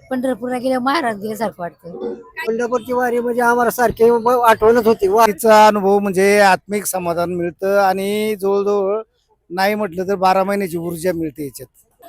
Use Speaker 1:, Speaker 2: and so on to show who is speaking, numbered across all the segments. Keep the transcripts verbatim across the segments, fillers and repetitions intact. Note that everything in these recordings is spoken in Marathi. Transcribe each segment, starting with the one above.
Speaker 1: पंढरपूरला गेल्यावर महाराज गेल्यासारखं वाटतं.
Speaker 2: पंढरपूरची वारी म्हणजे आम्हाला सारखी ब- आठवणच होती.
Speaker 3: वारीचा अनुभव म्हणजे आत्मिक समाधान मिळतं आणि जवळजवळ नाही म्हटलं तर बारा महिन्याची ऊर्जा मिळते याच्यात.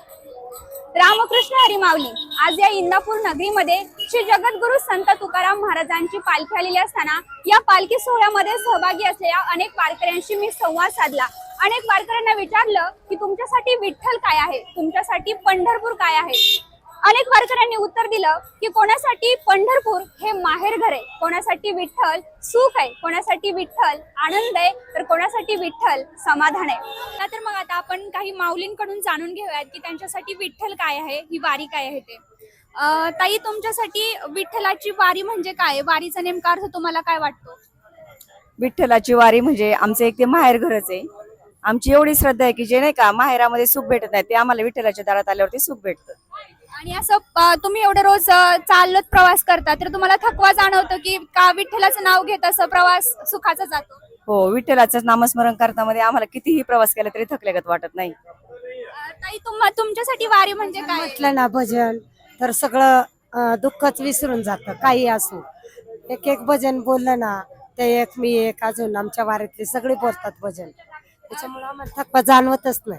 Speaker 4: रामकृष्ण हरी माऊली. आज या इंदापूर नगरीमध्ये श्री जगद्गुरु संत तुकाराम महाराजांची पालखी आलेली असताना या पालखी सोहळ्यामध्ये सहभागी असलेल्या अनेक वारकऱ्यांशी मी संवाद साधला. अनेक वारकऱ्यांना विचारलं की तुमच्यासाठी विठ्ठल काय आहे, तुमच्यासाठी पंढरपूर काय आहे. अनेक वारकऱ्यांनी उत्तर दिलं की कोणासाठी पंढरपूर हे माहेर घर आहे, कोणासाठी विठ्ठल सुख आहे, कोणासाठी विठ्ठल आनंद आहे, तर कोणासाठी विठ्ठल समाधान आहे. तर मग आता आपण काही माऊलींकडून जाणून घेऊयात की त्यांच्यासाठी विठ्ठल काय आहे, ही वारी काय आहे ते. अं, ताई, तुमच्यासाठी विठ्ठलाची वारी म्हणजे काय, वारीचा नेमका अर्थ तुम्हाला काय वाटतो?
Speaker 5: विठ्ठलाची वारी म्हणजे आमचं एक ते माहेर घरच आहे. आमची एवढी श्रद्धा आहे की जे नाही का माहेरामध्ये सुख भेटत नाही ते आम्हाला विठ्ठलाच्या दारात आल्यावरती सुख भेटतं.
Speaker 4: आणि असं अं, तुम्ही एवढं रोज अं, चालत प्रवास करता तर तुम्हाला थकवा जाणवतो की का विठ्ठलाचं नाव घेत असं प्रवास सुखाचा जातो?
Speaker 5: हो, विठ्ठलाचं नामस्मरण करतामध्ये आम्हाला कितीही प्रवास केला तरी थकल्यागत वाटत नाही.
Speaker 4: अं, ताई, तुम तुमच्यासाठी वारी म्हणजे काय?
Speaker 6: म्हटलं ना भजन तर सगळं अं, दुःखच विसरून जातं. काही असो, एक एक भजन बोललं ना ते एक मी एक अजून आमच्या वारीतले सगळे बोलतात भजन, त्याच्यामुळे आम्हाला थकवा जाणवतच नाही.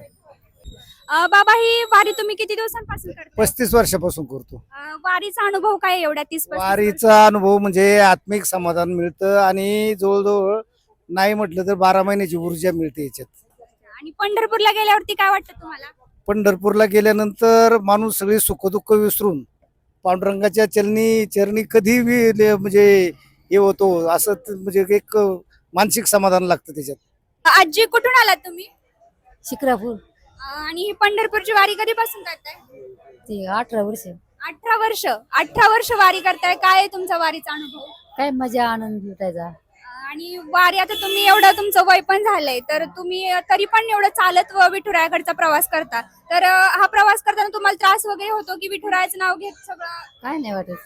Speaker 4: अं, बाबा, ही वारी तुम्ही किती दिवसांपासून करता?
Speaker 3: पस्तीस वर्षापासून करतो.
Speaker 4: अं, वारीचा अनुभव काय एवढ्या तीस पस्तीस
Speaker 3: वारीचा अनुभव म्हणजे आत्मिक समाधान मिळतं आणि जवळजवळ नाही म्हटलं तर बारा महिन्याची ऊर्जा मिळते याच्यात.
Speaker 4: वर्ष? आणि पंढरपूरला गेल्यावरती काय वाटतं तुम्हाला?
Speaker 3: पंढरपूरला गेल्यानंतर माणूस सगळी सुखदुःख विसरून पांडुरंगाच्या चरणी चरणी कधी बी ले- म्हणजे हे होतो असं त- म्हणजे एक मानसिक समाधान लागतं त्याच्यात.
Speaker 4: आजी, कुठून आलात तुम्ही?
Speaker 1: शिक्रापूर.
Speaker 4: अं, आणि ही पंढरपूरची वारी कधीपासून करताय?
Speaker 1: ते अठरा वर्ष.
Speaker 4: अठरा वर्ष. अठरा वर्ष वारी करताय. काय आहे तुमचा वारीचा अनुभव?
Speaker 1: काय मजा आनंद लुटायचा.
Speaker 4: अं, आणि वारी, आता तुम्ही एवढं तुमचं वय पण झालंय तर तुम्ही तरी पण एवढं चालत व विठुरायाकडचा प्रवास करता, तर अं, हा प्रवास करताना तुम्हाला त्रास वगैरे होतो की विठुरायाचं नाव घेत सगळं?
Speaker 1: काय नाही वाटत.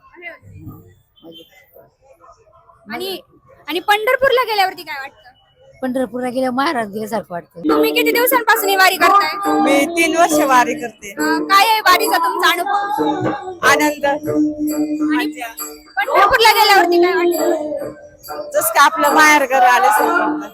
Speaker 4: आणि आणि पंढरपूरला गेल्यावरती काय वाटतं?
Speaker 1: पंढरपूरला गेल्यावर महाराज गेल्यासारखं वाटतं.
Speaker 4: तुम्ही किती दिवसांपासून ही वारी करताय?
Speaker 5: मी तीन वर्ष वारी करते.
Speaker 4: अं, काय आहे वारीचा तुमचा अनुभव?
Speaker 5: आनंद.
Speaker 4: आणि पंढरपूरला गेल्यावरती काय वाटतं?
Speaker 5: जस का आपलं माहेर घर आल्यासारखं.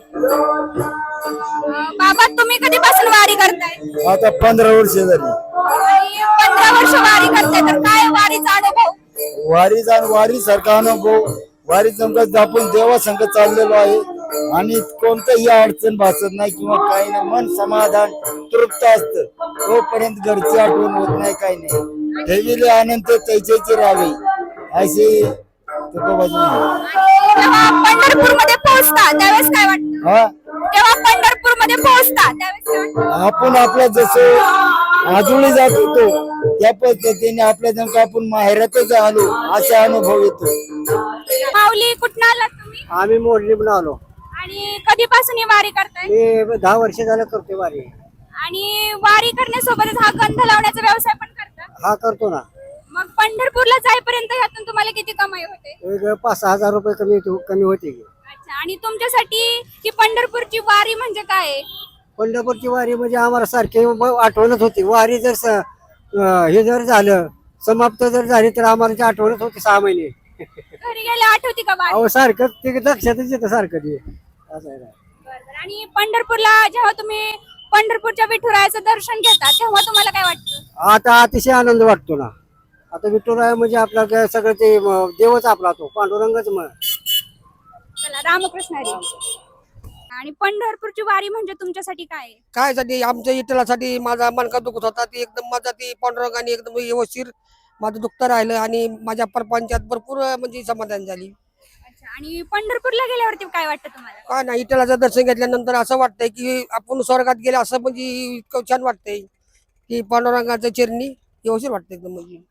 Speaker 4: अं, बाबा, तुम्ही कधीपासून वारी करताय?
Speaker 3: आता पंधरा वर्ष झाली.
Speaker 4: आणि पंधरा वर्ष वारी करताय, तर काय आहे वारीचा अनुभव?
Speaker 3: वारीचा वारी सारखा अनुभव. वारी संगत आपण देवा संगत चाललेलो आहे आणि कोणतंही अडचण भासत नाही किंवा काही नाही. मन समाधान तृप्त असतं. तोपर्यंत घरची आठवण होत नाही, काही नाही. ठेविले आनंद तैचेचे राहावे असे तुकोबाजी म्हणे.
Speaker 4: जेव्हा पंढरपूरमध्ये पोहोचता त्यावेळेस काय वाटतं?
Speaker 3: हा,
Speaker 4: जेव्हा पंढरपूरमध्ये पोहोचता त्यावेळेस काय वाटतं?
Speaker 3: आपण आपल्या जसं आजोळी जात होतो त्या पद्धतीने आपल्या जण आपण माहेरातच आलो असा अनुभव येतो.
Speaker 4: माऊली, कुठं आलात तुम्ही?
Speaker 2: आम्ही मोडली आलो.
Speaker 4: आणि कधीपासून ही वारी करताय?
Speaker 2: मी दहा वर्ष झालं करते वारी.
Speaker 4: आणि वारी करण्यासोबतच हा गंध लावण्याचा व्यवसाय पण करता?
Speaker 2: हा करतो ना.
Speaker 4: मग पंढरपूरला जाईपर्यंत ह्यातून तुम्हाला किती कमाई होते?
Speaker 2: एक पाच सहा हजार रुपये कमी होते- कमी होते की.
Speaker 4: अच्छा. आणि तुमच्यासाठी ही पंढरपूरची वारी म्हणजे काय आहे?
Speaker 2: पंढरपूरची वारी म्हणजे आम्हाला सारखी ब- आठवणच होती. वारी जर स- अं, हे जर झालं समाप्त जर झाली तर आम्हाला ती आठवणच होती सहा महिने.
Speaker 4: घरी गेल्या आठवती का वारी?
Speaker 2: अहो सारखं ते लक्षातच येतं सारखं ते असं आहे ना.
Speaker 4: बरं, बरं. आणि पंढरपूरला जेव्हा तुम्ही पंढरपूरच्या विठुरायाचं दर्शन घेता तेव्हा तुम्हाला काय वाटतं?
Speaker 2: आता अतिशय आनंद वाटतो ना. आता विठुराय म्हणजे आपला काय सगळं ते म, देवच आपला तो पांडुरंगच मग.
Speaker 4: चला, रामकृष्ण हरी. आणि पंढरपूरची वारी म्हणजे तुमच्यासाठी काय आहे?
Speaker 7: काय साठी आमच्या इटलासाठी माझा मनका दुखत होता ती एकदम माझा ती पांडुरंगाने एकदम व्यवस्थित माझं दुखतं राहिलं आणि माझ्या परपंचात भरपूर म्हणजे समाधान झाली.
Speaker 4: अच्छा. आणि पंढरपूरला गेल्यावरती काय वाटतं तुम्हाला?
Speaker 7: काय नाही, इटलाचं दर्शन घेतल्यानंतर असं वाटतंय की आपण स्वर्गात गेले असं म्हणजे इतकं छान वाटतंय की पांडुरंगाच्या चरणी व्यवस्थित वाटतं एकदम. म्हणजे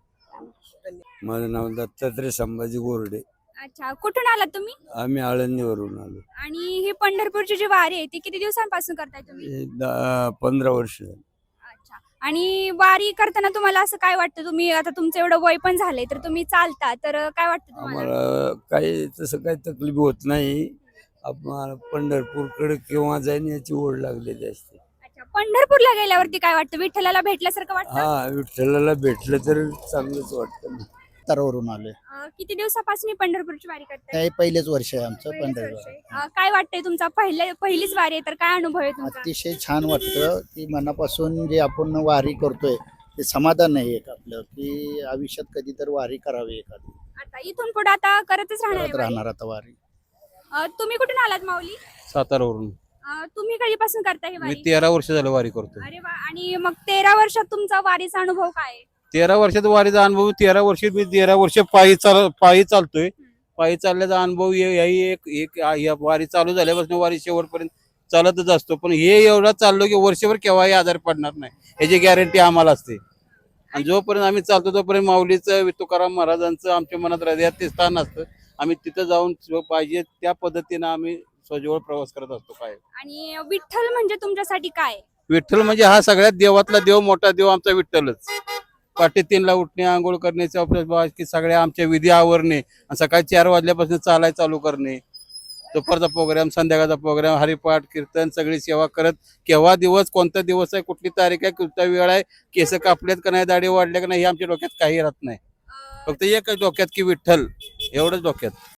Speaker 8: माझं नाव दत्तात्रय संभाजी गोरडे.
Speaker 4: अच्छा. कुठून आलात तुम्ही?
Speaker 8: आम्ही आळंदीवरून आलो.
Speaker 4: आणि ही पंढरपूरची जी वारी आहे ती किती दिवसांपासून करताय तुम्ही?
Speaker 8: हे दहा पंधरा वर्ष झाली.
Speaker 4: अच्छा. आणि वारी करताना तुम्हाला असं काय वाटतं? तुम्ही आता तुमचं एवढं वय पण झालंय तर तुम्ही चालता, तर काय वाटतं तुम्हाला?
Speaker 8: आम्हाला काही तसं काही तकलीफ होत नाही. आम्हाला पंढरपूरकडे केव्हा जाईन याची ओढ लागलेली असते.
Speaker 4: अच्छा. पंढरपूरला गेल्यावरती काय वाटतं? विठ्ठलाला भेटल्यासारखं वाटतं?
Speaker 8: हा विठ्ठलाला भेटलं तर चांगलंच वाटतं ना.
Speaker 9: तरवरून आलोय.
Speaker 4: अं, किती दिवसापासून ही पंढरपूरची वारी करताय?
Speaker 9: हे पहिलेच वर्ष आहे आमचं
Speaker 4: पहिलेच वर्ष आहे.
Speaker 9: पंढरपूर.
Speaker 4: अं, काय वाटतंय तुमचा पहिल्या पहिलीच वारी आहे तर काय अनुभव आहे तुमचा?
Speaker 9: अतिशय छान वाटतं की मनापासून जे आपण वारी करतोय ते समाधान आहे एक आपलं की आयुष्यात कधी तर वारी करावी एखादी.
Speaker 4: आता इथून पुढे आता करतच राहणार आहे
Speaker 9: करत
Speaker 4: वारी?
Speaker 9: राहणार आता वारी.
Speaker 4: अं, तुम्ही कुठून आलात माऊली?
Speaker 10: सातारावरून
Speaker 4: अं, तुम्ही कधीपासून करताय ही
Speaker 10: मी
Speaker 4: वारी?
Speaker 10: तेरा वर्ष झालं वारी करतो.
Speaker 4: अरे वा. आणि मग तेरा वर्षात तुमचा वारीचा अनुभव काय आहे?
Speaker 10: तेरा वर्षाचा वारीचा अनुभव तेरा वर्ष मी तेरा वर्ष पायी चाल पायी चालतोय. पायी चालल्याचा अनुभव हे- याही एक एक या वारी चालू झाल्यापासून वारी शेवटपर्यंत चालतच असतो. पण हे एवढा चाललो की वर्षभर केव्हाही आजारी पडणार नाही याची गॅरंटी आम्हाला असते. आणि जोपर्यंत आम्ही चालतो तोपर्यंत माऊलीचं तुकाराम महाराजांचं आमच्या मनात हृदयात ते स्थान असतं. आम्ही तिथं जाऊन जो पाहिजे त्या पद्धतीनं आम्ही सजवळ प्रवास करत असतो. काय
Speaker 4: आणि विठ्ठल म्हणजे तुमच्यासाठी काय?
Speaker 10: विठ्ठल म्हणजे हा सगळ्यात देवातला देव, मोठा देव आमचा विठ्ठलच. पहाटे तीनला उठणे, आंघोळ करण्याचे अभ्यास की सगळ्या आमच्या विधी आवरणे आणि सकाळी चार वाजल्यापासून चालाय चालू करणे. दुपारचा प्रोग्राम, संध्याकाळचा प्रोग्राम, हरिपाठ, कीर्तन, सगळी सेवा करत केव्हा दिवस, कोणता दिवस आहे, कुठली तारीख आहे, कोणता वेळ आहे, केस कापल्यात का नाही, दाढी वाढल्या का नाही, हे आमच्या डोक्यात काही राहत नाही.
Speaker 4: अं,
Speaker 10: फक्त एकच डोक्यात की विठ्ठल, एवढंच डोक्यात.